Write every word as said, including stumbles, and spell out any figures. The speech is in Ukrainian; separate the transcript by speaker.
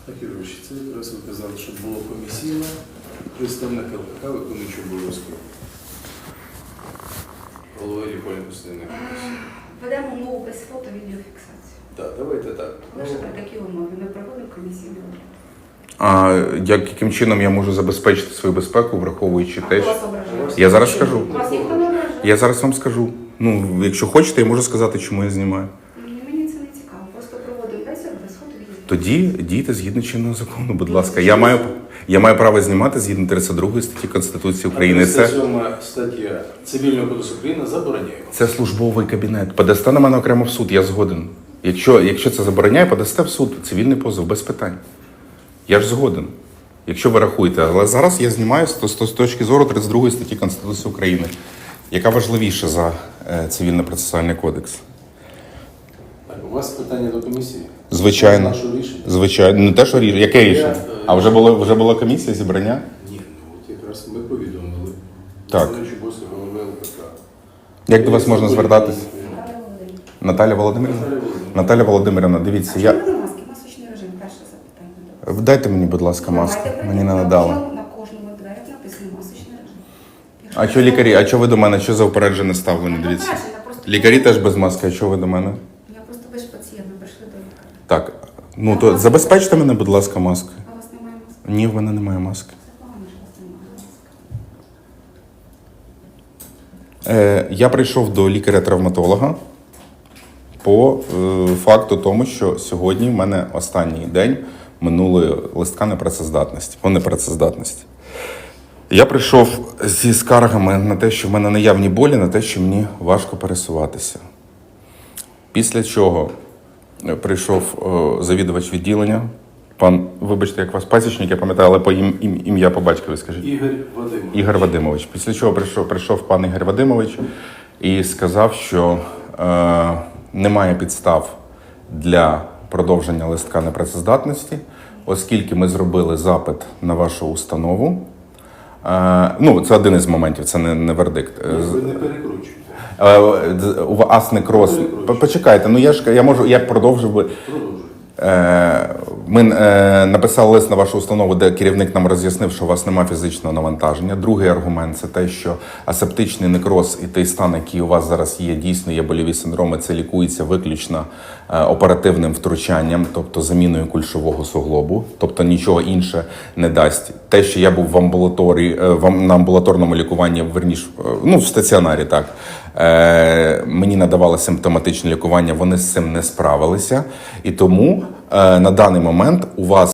Speaker 1: Акірович, це якраз ви казали, що було комісійне, представник ЛКК, виконуючий обов'язки. Голова лікувальної постійної комісії.
Speaker 2: Ведемо умову без фото відеофіксації.
Speaker 1: Так, давайте так.
Speaker 2: Лише при такій умові ми проводимо комісійний огляд.
Speaker 3: А як, яким чином я можу забезпечити свою безпеку, враховуючи
Speaker 2: А
Speaker 3: те,
Speaker 2: хто
Speaker 3: що...
Speaker 2: вас ображає?
Speaker 3: Я зараз скажу.
Speaker 2: Вас ніхто не ображає?
Speaker 3: Я зараз вам скажу. Ну, якщо хочете, я можу сказати, чому я знімаю.
Speaker 2: Ні, мені це не цікаво. Просто проводимо бесіду без фото відеофіксації.
Speaker 3: Тоді дійте згідно чинного закону, будь ласка. Я маю, я маю право знімати згідно тридцять другої статті Конституції України. Це,
Speaker 1: тридцять сьома стаття Цивільного кодексу України забороняє.
Speaker 3: це службовий кабінет. Подасте на мене окремо в суд, я згоден. Якщо, якщо це забороняє, подасте в суд. Цивільний позов, без питань. Я ж згоден. Якщо ви рахуєте. Але зараз я знімаю з, з, з точки зору тридцять другої статті Конституції України, яка важливіша за е, Цивільно-процесуальний кодекс.
Speaker 1: Так, у вас питання до комісії?
Speaker 3: Звичайно.
Speaker 1: Наше рішення?
Speaker 3: Звичайно. Не те, що рішення. Яке рішення? А вже було, вже була комісія зібрання?
Speaker 1: Ні, ну от якраз ми повідомили.
Speaker 3: Так.
Speaker 1: Виконуючий обов'язки голови ЛКК.
Speaker 3: Як до вас можна звертатись?
Speaker 2: Наталя Володимирівна.
Speaker 3: Наталя Володимирівна?
Speaker 1: Наталя Володимирівна.
Speaker 3: Наталя Володимирівна, дивіться,
Speaker 2: А
Speaker 3: я...
Speaker 2: чому ви на маски? Масочний режим. Перше запитання до вас.
Speaker 3: Дайте мені, будь ласка, маску.
Speaker 2: Давайте
Speaker 3: Мені не
Speaker 2: прийдемо.
Speaker 3: надали.
Speaker 2: На кожному дверях написано масочний режим.
Speaker 3: А що лікарі? А що ви до мене? Що за упереджене ставлення?
Speaker 2: Я
Speaker 3: Дивіться.
Speaker 2: попереджена, просто-
Speaker 3: Лікарі теж без маски, а що ви до мене?
Speaker 2: Я просто ви ж пацієнт, ми прийшли до лікаря.
Speaker 3: Так, ну то забезпечте мене, будь ласка, маскою.
Speaker 2: А у вас немає маски?
Speaker 3: Ні, в мене немає маски.
Speaker 2: Це погано, що у вас немає маски.
Speaker 3: Е, я прийшов до лікаря-травматолога по е, факту тому, що сьогодні в мене останній день минулої листка непрацездатності, по непрацездатності. Я прийшов зі скаргами на те, що в мене наявні болі, на те, що мені важко пересуватися. Після чого прийшов е, завідувач відділення, пан, вибачте, як вас пасічник, я пам'ятаю, але по ім, ім, ім'я по батькові скажіть.
Speaker 1: Ігор Вадимович.
Speaker 3: Ігор Вадимович. Після чого прийшов, прийшов пан Ігор Вадимович і сказав, що е, немає підстав для продовження листка непрацездатності, оскільки ми зробили запит на вашу установу. Е, ну, це один із моментів, це не, не вердикт.
Speaker 1: Ви не перекручуйте.
Speaker 3: Е, у вас некроз. Почекайте, ну я ж я можу, я продовжив би.
Speaker 1: Продовжуйте.
Speaker 3: Е, Ми е, написали лист на вашу установу, де керівник нам роз'яснив, що у вас немає фізичного навантаження. Другий аргумент – це те, що асептичний некроз і той стан, який у вас зараз є, дійсно є больові синдроми, це лікується виключно е, оперативним втручанням, тобто заміною кульшового суглобу, тобто нічого інше не дасть. Те, що я був в амбулаторії, е, в, на амбулаторному лікуванні, верніш, е, ну, в стаціонарі, так, е, мені надавали симптоматичне лікування, вони з цим не справилися. І тому е, на даний момент у вас